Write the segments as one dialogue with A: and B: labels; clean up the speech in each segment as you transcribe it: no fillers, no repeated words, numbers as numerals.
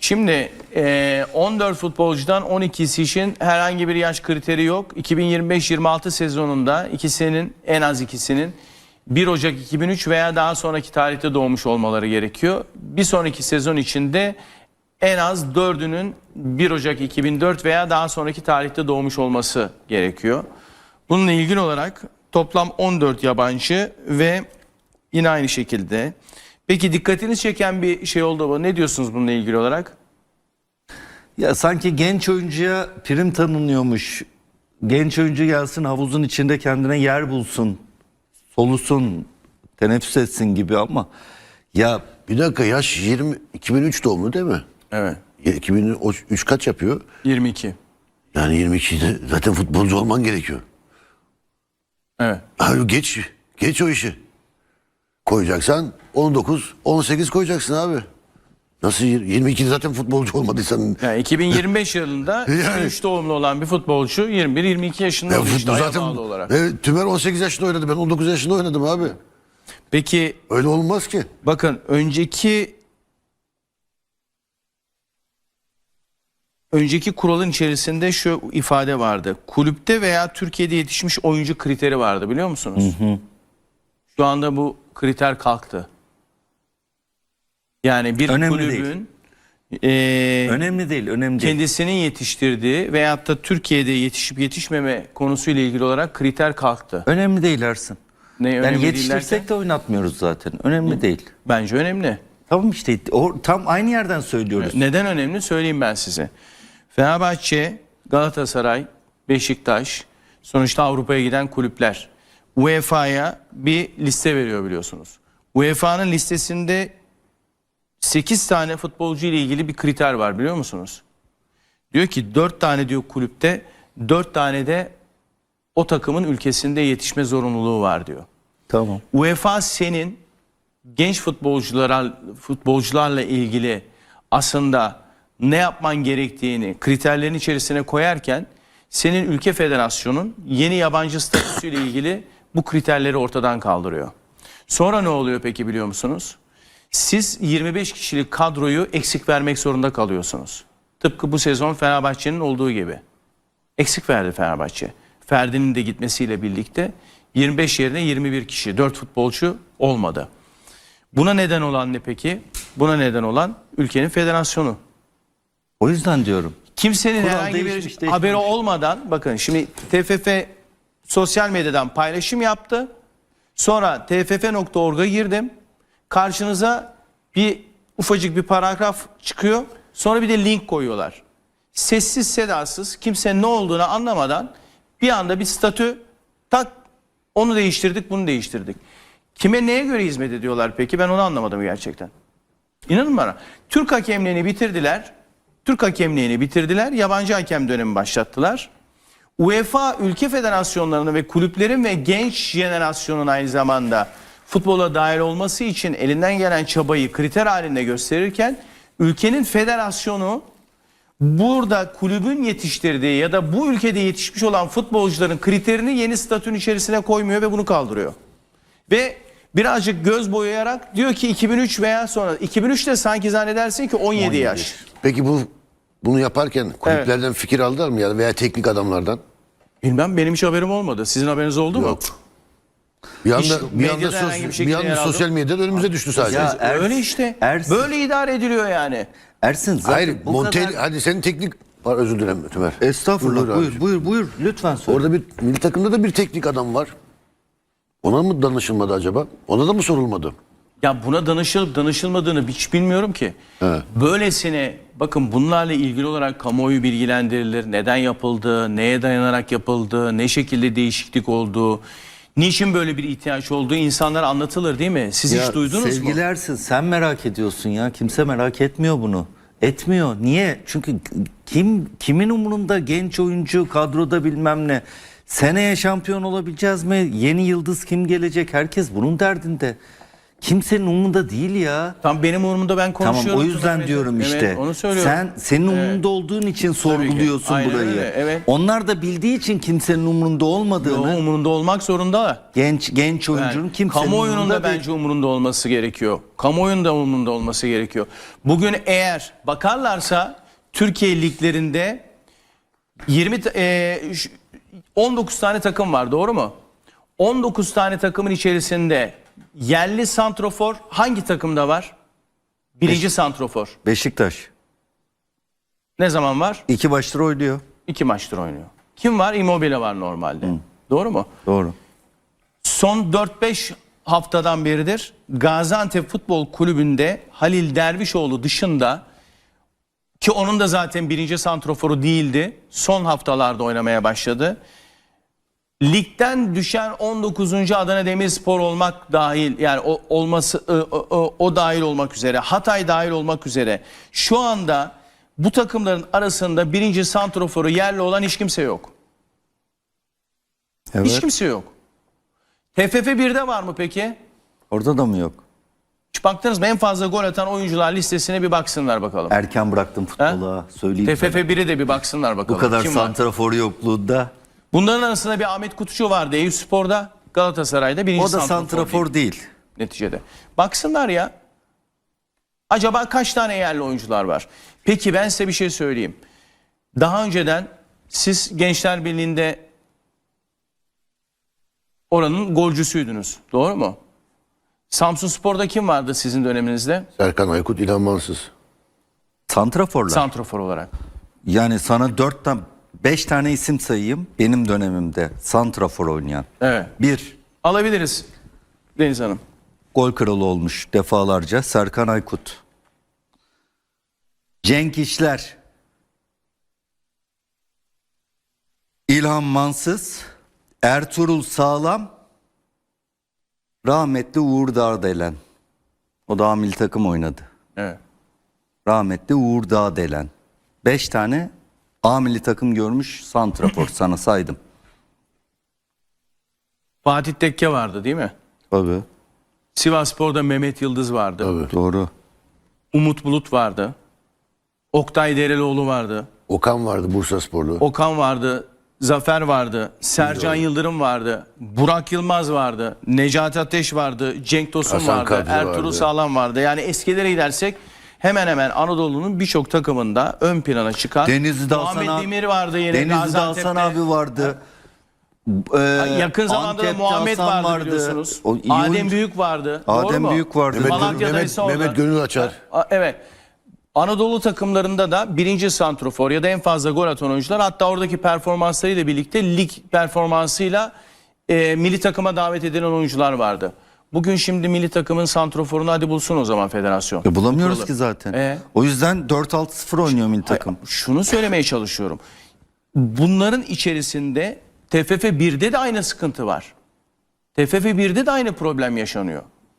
A: Şimdi 14 futbolcudan 12'si için herhangi bir yaş kriteri yok. 2025-26 sezonunda en az ikisinin 1 Ocak 2003 veya daha sonraki tarihte doğmuş olmaları gerekiyor. Bir sonraki sezon içinde en az 4'ünün 1 Ocak 2004 veya daha sonraki tarihte doğmuş olması gerekiyor. Bununla ilgili olarak toplam 14 yabancı ve yine aynı şekilde. Peki dikkatinizi çeken bir şey oldu mu? Ne diyorsunuz bununla ilgili olarak?
B: Ya sanki genç oyuncuya prim tanınıyormuş. Genç oyuncu gelsin, havuzun içinde kendine yer bulsun, solusun, teneffüs etsin gibi ama ya
C: Bir dakika, yaş 2003 doğumlu değil mi?
A: Evet.
C: 2003 kaç yapıyor?
A: 22.
C: Yani 22'de zaten futbolcu olman gerekiyor.
A: Evet.
C: Abi geç o işi. Koyacaksan 19, 18 koyacaksın abi. Nasıl 22'de zaten futbolcu olmadıysan?
A: Yani 2025 yılında
C: Yani.
A: 2003 doğumlu olan bir futbolcu 21-22 yaşında
C: Ya
A: oldu işte
C: futbol
A: aya
C: zaten
A: bağlı olarak.
C: evet, Tümer 18 yaşında oynadı. Ben 19 yaşında oynadım abi.
A: Peki
C: Öyle olmaz ki.
A: bakın önceki kuralın içerisinde şu ifade vardı. Kulüpte veya Türkiye'de yetişmiş oyuncu kriteri vardı, biliyor musunuz? Şu anda bu kriter kalktı. Yani bir
B: Önemli
A: kulübün
B: önemli değil.
A: kendisinin yetiştirdiği veyahut da Türkiye'de yetişip yetişmeme konusuyla ilgili olarak kriter kalktı.
B: Önemli değil Ersin.
A: Ne
B: Yani
A: önemli değil
B: yetiştirsek
A: derken?
B: de oynatmıyoruz zaten. Önemli değil.
A: Bence önemli.
B: Tamam işte tam aynı yerden söylüyoruz.
A: Neden önemli söyleyeyim ben size. Fenerbahçe, Galatasaray, Beşiktaş sonuçta Avrupa'ya giden kulüpler. UEFA'ya bir liste veriyor biliyorsunuz. UEFA'nın listesinde 8 tane futbolcu ile ilgili bir kriter var, biliyor musunuz? Diyor ki 4 tane diyor kulüpte, 4 tane de o takımın ülkesinde yetişme zorunluluğu var diyor.
B: Tamam.
A: UEFA senin genç futbolcularla ilgili aslında ne yapman gerektiğini kriterlerin içerisine koyarken senin ülke federasyonun yeni yabancı statüsüyle ilgili bu kriterleri ortadan kaldırıyor. Sonra ne oluyor peki, biliyor musunuz? Siz 25 kişilik kadroyu eksik vermek zorunda kalıyorsunuz. Tıpkı bu sezon Fenerbahçe'nin olduğu gibi. Eksik verdi Fenerbahçe. Ferdi'nin de gitmesiyle birlikte 25 yerine 21 kişi, 4 futbolcu olmadı. Buna neden olan ne peki? Buna neden olan ülkenin federasyonu.
B: O yüzden diyorum.
A: Kimsenin
B: Kural
A: herhangi bir
B: değişmiş.
A: haberi olmadan, bakın şimdi TFF sosyal medyadan paylaşım yaptı. Sonra tff.org'a girdim. Karşınıza bir ufacık bir paragraf çıkıyor. Sonra bir de link koyuyorlar. Sessiz sedasız, kimsenin ne olduğunu anlamadan bir anda bir statü tak, onu değiştirdik, bunu değiştirdik. Kime neye göre hizmet ediyorlar peki? Ben onu anlamadım gerçekten. İnanın bana. Türk hakemliğini bitirdiler. Yabancı hakem dönemi başlattılar. UEFA ülke federasyonlarını ve kulüplerin ve genç jenerasyonun aynı zamanda futbola dahil olması için elinden gelen çabayı kriter halinde gösterirken ülkenin federasyonu burada kulübün yetiştirdiği ya da bu ülkede yetişmiş olan futbolcuların kriterini yeni statünün içerisine koymuyor ve bunu kaldırıyor. Ve birazcık göz boyayarak diyor ki 2003 veya sonra. 2003'te sanki zannedersin ki 17 yaş.
C: Peki bunu yaparken kulüplerden fikir aldılar mı ya veya teknik adamlardan?
A: Bilmem, benim hiç haberim olmadı. Sizin haberiniz oldu mu?
C: Yok. Bir anda,
A: Hiç
C: bir anda,
A: medyada herhangi bir
C: bir
A: şekilde yer
C: anda
A: aldı.
C: sosyal medyada önümüze düştü sadece.
B: Ya
A: Öyle işte.
B: Ersin.
A: Böyle idare ediliyor yani.
B: Ersin zaten
C: Hayır,
B: bu kadar...
C: hadi senin teknik... Özür dilerim Tümer.
B: Estağfurullah,
C: Buyur abi.
B: buyur lütfen söyle.
C: Orada bir milli takımda da bir teknik adam var. Ona mı danışılmadı acaba? Ona da mı sorulmadı?
A: Ya buna danışılıp danışılmadığını hiç bilmiyorum ki.
C: Evet.
A: Böylesine bakın, bunlarla ilgili olarak kamuoyu bilgilendirilir. Neden yapıldı, neye dayanarak yapıldı, ne şekilde değişiklik oldu, niçin böyle bir ihtiyaç olduğu insanlara anlatılır değil mi? Siz hiç duydunuz mu?
B: Sevgili Ersin, sen merak ediyorsun ya. Kimse merak etmiyor bunu. Etmiyor. Niye? Çünkü kimin umurunda genç oyuncu kadroda bilmem ne. Seneye şampiyon olabileceğiz mi? Yeni yıldız kim gelecek? Herkes bunun derdinde. Kimsenin umurunda değil ya.
A: Tam benim umurumda, ben konuşuyorum.
B: Tamam, o yüzden
A: Mehmet.
B: diyorum
A: Evet,
B: işte.
A: onu söylüyorum.
B: Senin umurunda olduğun için sorguluyorsun
A: Aynen
B: burayı.
A: öyle, evet.
B: Onlar da bildiği için kimsenin umurunda olmadığını.
A: Yo, umurunda olmak zorunda.
B: Genç oyuncunun
A: Yani
B: kimsenin
A: kamuoyunun
B: umurunda
A: da
B: değil.
A: bence umurunda olması gerekiyor. Kamuoyunun da umurunda olması gerekiyor. Bugün eğer bakarlarsa Türkiye liglerinde 19 tane takım var, doğru mu? 19 tane takımın içerisinde yerli santrofor hangi takımda var? Birinci santrofor.
B: Beşiktaş.
A: Ne zaman var?
B: 2 maçtır oynuyor.
A: 2 maçtır oynuyor. Kim var? Immobile var normalde. Doğru mu?
B: Doğru.
A: Son 4-5 haftadan beridir Gaziantep Futbol Kulübü'nde Halil Dervişoğlu dışında, ki onun da zaten birinci santroforu değildi, son haftalarda oynamaya başladı. Ligden düşen 19. Adana Demirspor olmak dahil, yani o dahil olmak üzere, Hatay dahil olmak üzere şu anda bu takımların arasında birinci santroforu yerli olan hiç kimse yok.
B: Evet.
A: Hiç kimse yok. TFF 1'de var mı peki?
B: Orada da mı yok?
A: Hiç baktınız mı? En fazla gol atan oyuncular listesine bir baksınlar bakalım.
B: Erken bıraktım futbola. Söyleyeyim.
A: TFF
B: sana.
A: 1'e de bir baksınlar bakalım.
B: Bu kadar
A: Kim var?
B: santrafor yokluğunda.
A: Bunların arasında bir Ahmet Kutucu vardı Eyüpspor'da, Galatasaray'da birinci
B: O da santrafor değil.
A: neticede. Baksınlar ya. Acaba kaç tane yerli oyuncular var? Peki ben size bir şey söyleyeyim. Daha önceden siz Gençler Birliği'nde oranın golcüsüydünüz. Doğru mu? Samsunspor'da kim vardı sizin döneminizde?
C: Serkan Aykut, İlhan Mansız.
B: Santraforlar.
A: Santrofor olarak.
B: Yani sana 5 tane isim sayayım benim dönemimde santrafor oynayan.
A: Evet.
B: 1.
A: Alabiliriz Deniz Hanım.
B: Gol kralı olmuş defalarca Serkan Aykut. Cenk İşler. İlhan Mansız. Ertuğrul Sağlam. Rahmetli Uğur Dağdelen. O da milli takım oynadı.
A: Evet.
B: Rahmetli Uğur Dağdelen. 5 tane A milli takım görmüş santrafor sana saydım.
A: Fatih Tekke vardı değil mi?
B: Tabii.
A: Sivasspor'da Mehmet Yıldız vardı.
C: Tabii.
B: Doğru.
A: Umut Bulut vardı. Oktay Derelioğlu vardı.
C: Okan vardı, Bursasporlu.
A: Okan vardı. Zafer vardı. Sercan Yıldırım vardı. Burak Yılmaz vardı. Necati Ateş vardı. Cenk Tosun
C: Hasan
A: vardı.
C: Kadri
A: Ertuğrul
C: vardı.
A: Sağlam vardı. Yani eskilere gidersek hemen hemen Anadolu'nun birçok takımında ön plana çıkan
B: Denizli'de Hasan
A: Muhammed
B: abi-
A: Demir vardı yine.
B: Denizli'de
A: Gaziantep'te.
B: Hasan abi vardı.
A: Yakın zamanda da
B: Antep'te
A: Muhammed
B: Hasan
A: vardı biliyorsunuz.
B: O iyi
A: Adem
B: oyuncu.
A: Büyük vardı. Doğru
B: Adem
A: mu?
B: Büyük vardı.
A: Malatya'da ise orada.
C: Mehmet Gönül Açar.
A: Evet. Anadolu takımlarında da birinci santrofor ya da en fazla gol atan oyuncular, hatta oradaki performanslarıyla birlikte lig performansıyla milli takıma davet edilen oyuncular vardı. Bugün şimdi milli takımın santroforunu hadi bulsun o zaman federasyon.
B: Bulamıyoruz
A: Kuralı.
B: ki zaten. O yüzden 4-6-0 oynuyor milli takım.
A: Şunu söylemeye çalışıyorum. Bunların içerisinde TFF 1'de de aynı sıkıntı var. TFF 1'de de aynı problem yaşanıyor.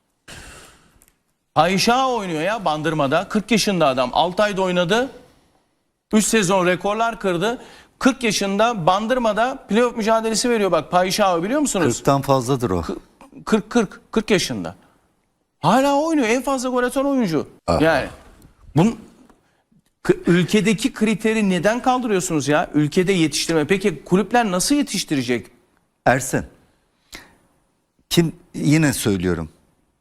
A: Ayşa oynuyor ya Bandırma'da. 40 yaşında adam. 6 ayda oynadı. 3 sezon rekorlar kırdı. 40 yaşında Bandırma'da playoff mücadelesi veriyor. Bak Payşao biliyor musunuz?
B: 40'tan fazladır o.
A: 40 yaşında. Hala oynuyor. En fazla gol atan oyuncu. Yani ülkedeki kriteri neden kaldırıyorsunuz ya? Ülkede yetiştirme. Peki kulüpler nasıl yetiştirecek?
B: Ersen. Yine söylüyorum.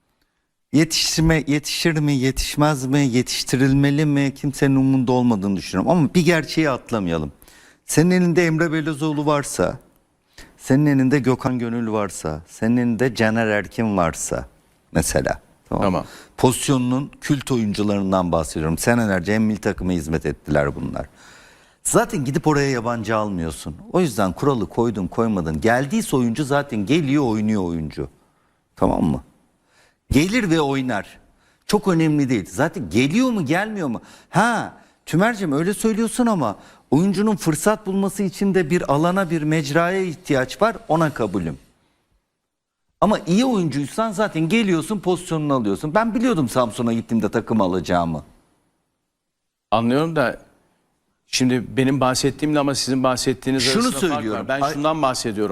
B: Yetişir mi, yetişmez mi, yetiştirilmeli mi, kimsenin umurunda olmadığını düşünüyorum. Ama bir gerçeği atlamayalım. Senin elinde Emre Belözoğlu varsa, senin elinde Gökhan Gönül varsa, senin elinde Caner Erkin varsa mesela.
A: Tamam.
B: Pozisyonunun kült oyuncularından bahsediyorum. Senelerce hem milli takıma hizmet ettiler bunlar. Zaten gidip oraya yabancı almıyorsun. O yüzden kuralı koydun koymadın. Geldiyse oyuncu zaten geliyor, oynuyor oyuncu. Tamam mı? Gelir ve oynar. Çok önemli değil. Zaten geliyor mu gelmiyor mu? Tümerciğim öyle söylüyorsun ama oyuncunun fırsat bulması için de bir alana, bir mecraya ihtiyaç var. Ona kabulüm. Ama iyi oyuncuysan zaten geliyorsun, pozisyonunu alıyorsun. Ben biliyordum Samsun'a gittiğimde takım alacağımı.
A: Anlıyorum da şimdi benim bahsettiğimle ama sizin bahsettiğiniz
B: Şunu
A: arasında fark
B: söylüyorum.
A: var. Ben şundan bahsediyorum.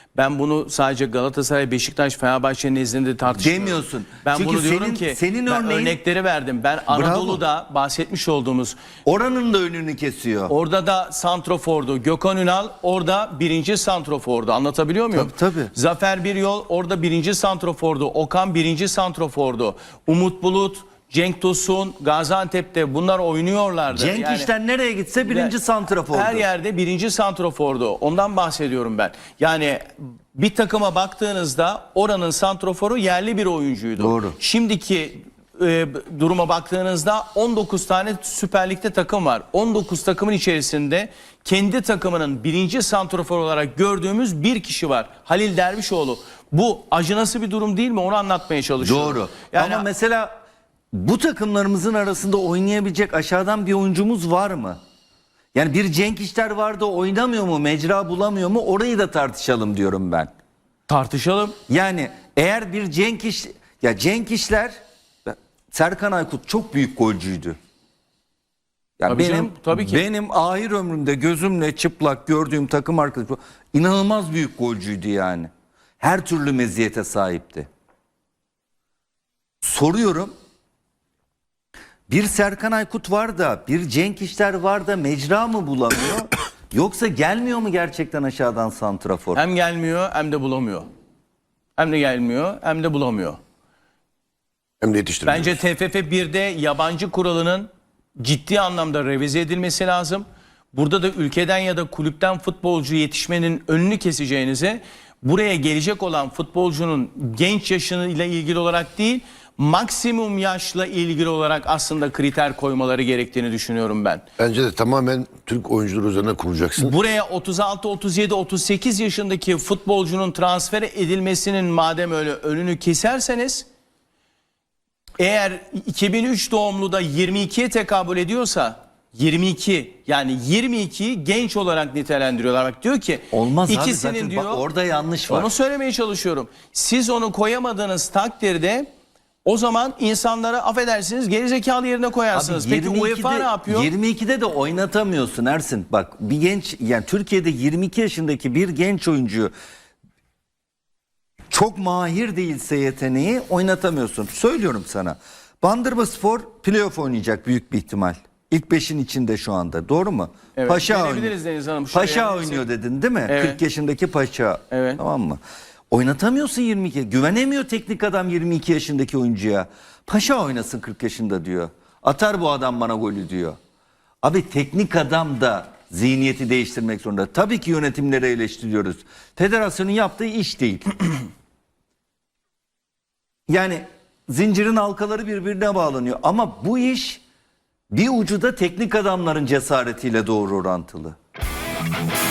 A: Ben bunu sadece Galatasaray, Beşiktaş, Fenerbahçe nezdinde tartışmıyorum.
B: Demiyorsun.
A: Ben
B: Çünkü
A: bunu diyorum
B: senin-
A: ki
B: senin
A: ben
B: örneğin-
A: örnekleri verdim. Ben Anadolu'da bahsetmiş olduğumuz
B: Oranın da önünü kesiyor.
A: orada da santrofordu. Gökhan Ünal orada birinci santrofordu. Anlatabiliyor muyum?
B: Tabii.
A: Zafer Biryol orada birinci santrofordu. Okan birinci santrofordu. Umut Bulut, Cenk Tosun, Gaziantep'te bunlar oynuyorlardı.
B: Cenk
A: Yani-
B: İşler nereye gitse birinci santrafordu.
A: Her yerde birinci santrofordu. Ondan bahsediyorum ben. Yani bir takıma baktığınızda oranın santroforu yerli bir oyuncuydu.
B: Doğru.
A: Şimdiki duruma baktığınızda 19 tane Süper Lig'de takım var. 19 takımın içerisinde kendi takımının birinci santrofor olarak gördüğümüz bir kişi var. Halil Dervişoğlu. Bu acınası bir durum değil mi? Onu anlatmaya çalışıyorum.
B: Doğru.
A: Yani
B: Ama mesela bu takımlarımızın arasında oynayabilecek aşağıdan bir oyuncumuz var mı? Yani bir Cenk İşler vardı, oynamıyor mu, mecra bulamıyor mu? Orayı da tartışalım diyorum ben.
A: tartışalım.
B: Yani eğer bir Cenk İşler, Serkan Aykut çok büyük golcüydü. Ya
A: Tabii canım, tabii ki.
B: Benim ahir ömrümde gözümle çıplak gördüğüm takım arkadaşı inanılmaz büyük golcüydü yani. Her türlü meziyete sahipti. Soruyorum. Bir Serkan Aykut var da, bir Cenk İşler var da mecra mı bulamıyor? Yoksa gelmiyor mu gerçekten aşağıdan santrafor?
A: Hem gelmiyor hem de bulamıyor. Hem de gelmiyor hem de bulamıyor.
C: Hem de yetiştirmiyor.
A: Bence TFF 1'de yabancı kuralının ciddi anlamda revize edilmesi lazım. Burada da ülkeden ya da kulüpten futbolcu yetişmenin önünü keseceğinize buraya gelecek olan futbolcunun genç yaşıyla ilgili olarak değil, maksimum yaşla ilgili olarak aslında kriter koymaları gerektiğini düşünüyorum ben.
C: Bence de tamamen Türk oyuncular üzerine kuracaksın.
A: Buraya 36, 37, 38 yaşındaki futbolcunun transfer edilmesinin madem öyle önünü keserseniz, eğer 2003 doğumlu da 22'ye tekabül ediyorsa 22 yani 22'yi genç olarak nitelendiriyorlar. Bak diyor ki
B: Olmaz abi,
A: ikisinin
B: zaten
A: diyor
B: bak orada yanlış var.
A: onu söylemeye çalışıyorum. Siz onu koyamadığınız takdirde o zaman insanlara affedersiniz gerizekalı yerine koyarsınız.
B: Abi
A: Peki UEFA ne yapıyor?
B: 22'de de oynatamıyorsun Ersin. Bak bir genç, yani Türkiye'de 22 yaşındaki bir genç oyuncuyu çok mahir değilse yeteneği oynatamıyorsun. Söylüyorum sana. Bandırmaspor playoff oynayacak büyük bir ihtimal. İlk 5'in içinde şu anda. Doğru mu?
A: Evet,
B: Paşa
A: gelebiliriz
B: oynuyor.
A: Deniz Hanım. Şuraya
B: Paşa
A: yani
B: oynuyor dedin değil mi?
A: Evet.
B: 40 yaşındaki Paşa.
A: Evet.
B: Tamam mı? Oynatamıyorsun 22. Güvenemiyor teknik adam 22 yaşındaki oyuncuya. Paşa oynasın 40 yaşında diyor. Atar bu adam bana golü diyor. Abi teknik adam da zihniyeti değiştirmek zorunda. Tabii ki yönetimleri eleştiriyoruz. Federasyonun yaptığı iş değil. Yani zincirin halkaları birbirine bağlanıyor. Ama bu iş bir ucu da teknik adamların cesaretiyle doğru orantılı.